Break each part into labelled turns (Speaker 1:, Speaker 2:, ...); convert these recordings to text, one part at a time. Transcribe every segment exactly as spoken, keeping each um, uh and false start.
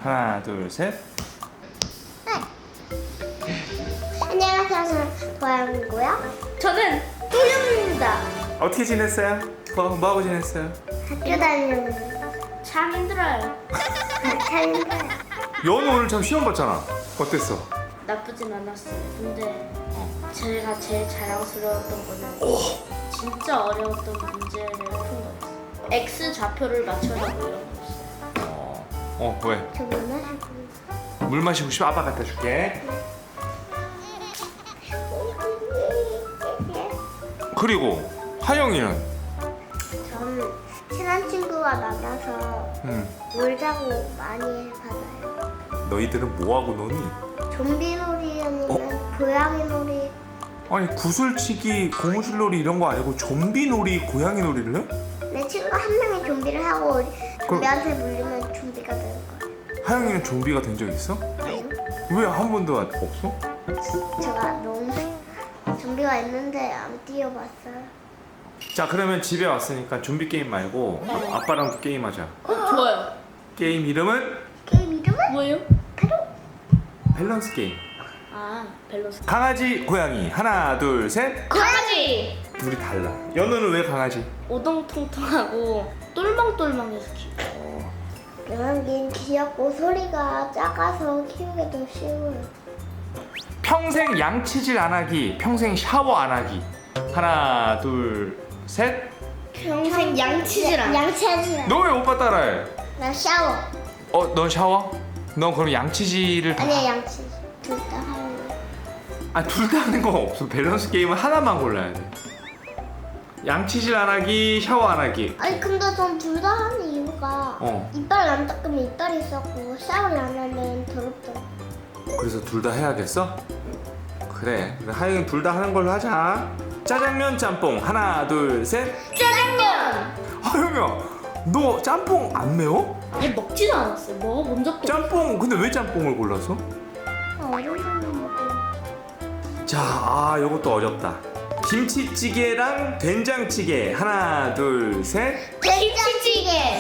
Speaker 1: 하나, 둘, 셋.
Speaker 2: 안녕하세요. 저는 도영이고요.
Speaker 3: 저는 또영입니다.
Speaker 1: 어떻게 지냈어요? 뭐, 뭐 하고 지냈어요?
Speaker 2: 학교 다니는
Speaker 3: 참 힘들어요.
Speaker 2: 참 힘들어요.
Speaker 1: 연우 오늘 참 시험 봤잖아. 어땠어?
Speaker 3: 나쁘진 않았어요. 근데 제가 제일 자랑스러웠던 거는 진짜 어려웠던 문제를 푼 거였어요. X 좌표를 맞춰라고 이런 거였어요.
Speaker 1: 어, 어 왜?
Speaker 2: 저 맨날 하고
Speaker 1: 물 마시고 싶어? 아빠 갖다 줄게. 그리고 하영이는?
Speaker 2: 저는 친한 친구가 많아서
Speaker 1: 응.
Speaker 2: 놀자고 많이 받아요.
Speaker 1: 너희들은 뭐 하고 노니?
Speaker 2: 좀비 놀이 아니면 고양이 놀이.
Speaker 1: 아니 구슬치기, 고무줄놀이 이런 거 아니고 좀비 놀이, 고양이 놀이를 해?
Speaker 2: 내 친구 한 명이 좀비를 하고 좀비한테 물리면 좀비가 되는 거예요.
Speaker 1: 하영이는 좀비가 된 적 있어? 왜 한 번도 없어?
Speaker 2: 제가 너무 좀비가 있는데 안 뛰어봤어요.
Speaker 1: 자 그러면 집에 왔으니까 좀비 게임 말고
Speaker 3: 네.
Speaker 1: 아빠랑도 게임하자.
Speaker 3: 어, 좋아요.
Speaker 1: 게임 이름은
Speaker 2: 게임 이름은
Speaker 3: 뭐예요?
Speaker 1: 밸런스 게임.
Speaker 3: 아, 밸런스.
Speaker 1: 강아지, 고양이 하나, 둘, 셋.
Speaker 3: 강아지!
Speaker 1: 둘이 달라. 연우는 왜 강아지?
Speaker 3: 오동통통하고 똘망똘망해서 키워.
Speaker 1: 어,
Speaker 2: 고양이는 귀엽고 소리가 작아서 키우기도 쉬워요.
Speaker 1: 평생 양치질 안 하기, 평생 샤워 안 하기. 하나, 둘, 셋.
Speaker 3: 평생 양치질 안 해.
Speaker 2: 양치하지 마.
Speaker 1: 너 왜 오빠 따라해?
Speaker 2: 나 샤워.
Speaker 1: 어, 넌 샤워? 넌 그럼 양치질을 다...
Speaker 2: 아니야 양치. 둘 다 하는 거.
Speaker 1: 아, 둘 다 하는 거 없어. 밸런스 게임은 하나만 골라야 돼. 양치질 안 하기, 샤워 안 하기.
Speaker 2: 아니 근데 전 둘 다 하는 이유가
Speaker 1: 어.
Speaker 2: 이빨 안 닦으면 이빨이 썩고 샤워를 안 하면 더럽잖아.
Speaker 1: 그래서 둘 다 해야겠어? 그래. 그래. 하영이 둘 다 하는 걸로 하자. 짜장면, 짬뽕. 하나, 둘, 셋.
Speaker 3: 짜장면!
Speaker 1: 하영이야, 너 짬뽕 안 매워?
Speaker 3: 아니, 먹지도 않았어요. 먹어본 적도 없어요.
Speaker 1: 짬뽕, 근데 왜 짬뽕을 골랐어?
Speaker 2: 아, 어른 사람 먹고.
Speaker 1: 자, 아, 요것도 어렵다. 김치찌개랑 된장찌개. 하나, 둘, 셋.
Speaker 2: 된장찌개.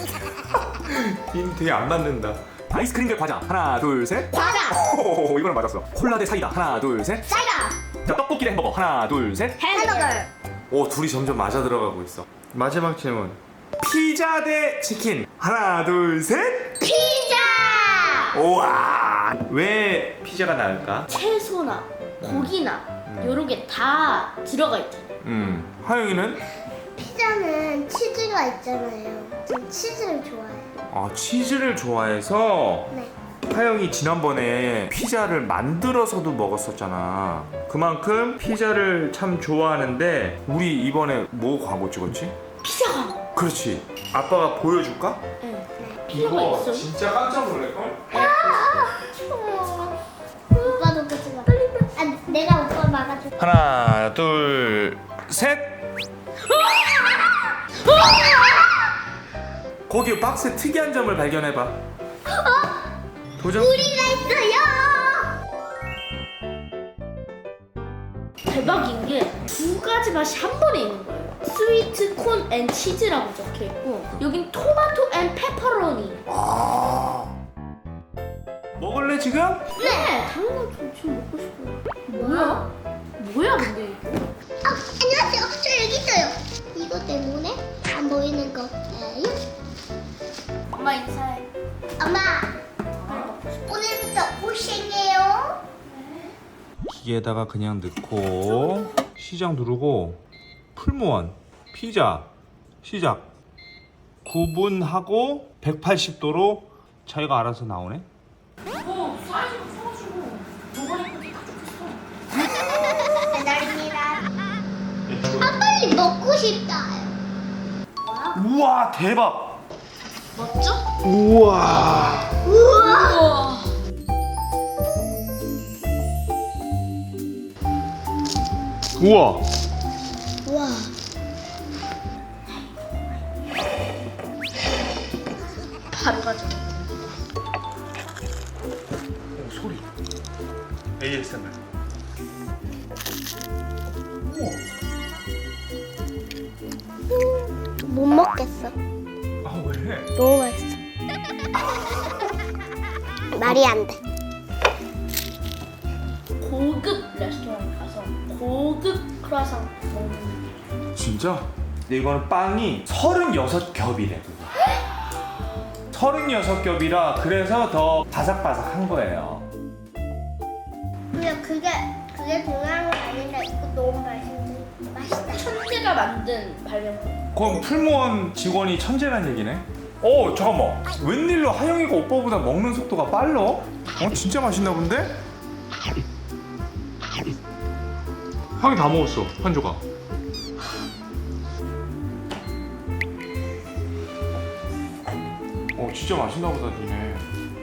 Speaker 1: 이 되게 안 맞는다. 아이스크림 대 과자. 하나, 둘, 셋.
Speaker 2: 과자.
Speaker 1: 오, 이거는 맞았어. 콜라 대 사이다. 하나, 둘, 셋.
Speaker 2: 사이다.
Speaker 1: 자, 떡볶이 대 햄버거. 하나, 둘, 셋.
Speaker 2: 햄버거.
Speaker 1: 오, 둘이 점점 맞아 들어가고 있어. 마지막 질문. 피자 대 치킨. 하나, 둘, 셋.
Speaker 2: 피자.
Speaker 1: 우와. 왜 피자가 나을까?
Speaker 3: 채소나 고기나 요런 게 다 들어가 있잖아요.
Speaker 1: 음, 하영이는?
Speaker 2: 피자는 치즈가 있잖아요. 전 치즈를 좋아해요.
Speaker 1: 아, 치즈를 좋아해서
Speaker 2: 네.
Speaker 1: 하영이 지난번에 피자를 만들어서도 먹었었잖아. 그만큼 피자를 참 좋아하는데 우리 이번에 뭐 광고 찍었지?
Speaker 3: 피자가.
Speaker 1: 그렇지. 아빠가 보여줄까?
Speaker 3: 네. 피자가 있어요.
Speaker 1: 진짜 깜짝 놀랄걸?
Speaker 2: 어. 오빠도 그지 마. 아, 내가 오빠 막아줄게.
Speaker 1: 하나, 둘, 셋. 거기 박스에 특이한 점을 발견해봐. 도전.
Speaker 2: 우리가 있어요.
Speaker 3: 대박인 게 두 가지 맛이 한 번에 있는 거예요. 스위트 콘 앤 치즈라고 적혀 있고 여긴 토마토 앤 페퍼로니.
Speaker 1: 아. 먹을래 지금?
Speaker 3: 네, 당연히 저 지금 먹고 싶어요. 뭐야? 뭐야 근데 이거?
Speaker 2: 아, 안녕하세요. 저 여기 있어요. 이거 때문에 안 보이는 거예요.
Speaker 3: 엄마 인사해.
Speaker 2: 엄마, 오늘부터 고생해요.
Speaker 1: 기계에다가 그냥 넣고 시작 누르고 풀무원 피자 시작. 구분하고 백팔십 도로 자기가 알아서 나오네.
Speaker 3: 어, 사이즈가 커가지고 뭐가 예쁜지 다 좋겠어.
Speaker 2: 배달입니다. 아, 빨리 먹고 싶다.
Speaker 1: 우와 대박.
Speaker 3: 맞죠?
Speaker 1: 우와.
Speaker 2: 우와.
Speaker 3: 우와.
Speaker 1: 우와.
Speaker 2: 우와.
Speaker 3: 바로 가져.
Speaker 1: 오, 소리. 에이에스엠알.
Speaker 2: 못 먹겠어.
Speaker 1: 아 왜?
Speaker 2: 너무 맛있어. 말이 안 돼.
Speaker 3: 고급 레스토랑 가서 고급 크루아상 먹는.
Speaker 1: 진짜? 근데 이거는 빵이 서른여섯 겹이래. 서른여섯 겹이라 그래서 더 바삭바삭한 거예요.
Speaker 2: 근데 그게 그게 중요한 건 아닌데 이거 너무 맛있는데 맛있다.
Speaker 3: 천재가 만든 발명품.
Speaker 1: 그럼 풀무원 직원이 천재란 얘기네? 어 잠깐만, 웬일로 하영이가 오빠보다 먹는 속도가 빨라? 어 진짜 맛있나 본데? 하영이 다 먹었어 한 조각. 어 진짜 맛있나 보다 니네.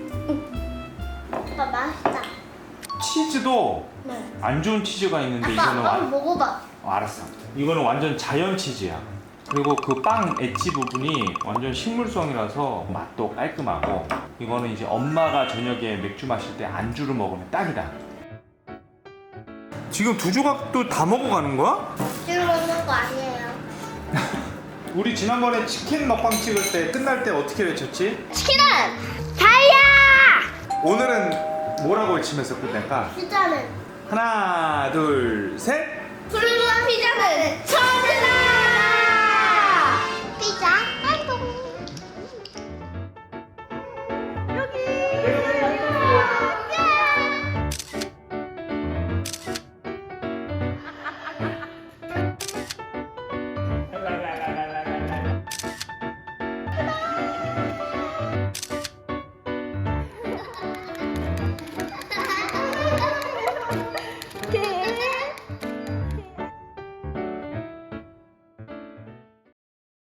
Speaker 2: 오빠 맛있다.
Speaker 1: 치즈도
Speaker 2: 네.
Speaker 1: 안 좋은 치즈가 있는데
Speaker 2: 아빠
Speaker 1: 이거는
Speaker 2: 한번
Speaker 1: 완...
Speaker 2: 먹어봐.
Speaker 1: 어, 알았어. 이거는 완전 자연 치즈야. 그리고 그 빵 엣지 부분이 완전 식물성이라서 맛도 깔끔하고, 이거는 이제 엄마가 저녁에 맥주 마실 때 안주로 먹으면 딱이다. 지금 두 조각도 다 먹어가는 거야?
Speaker 2: 지금 먹는 거 아니에요.
Speaker 1: 우리 지난번에 치킨 먹방 찍을 때 끝날 때 어떻게 외쳤지?
Speaker 2: 치킨은 다이아.
Speaker 1: 오늘은 뭐라고 외치면서 끝낼까?
Speaker 2: 피자는
Speaker 1: 하나 둘 셋.
Speaker 2: 푸르르한 피자는 천재다. 피자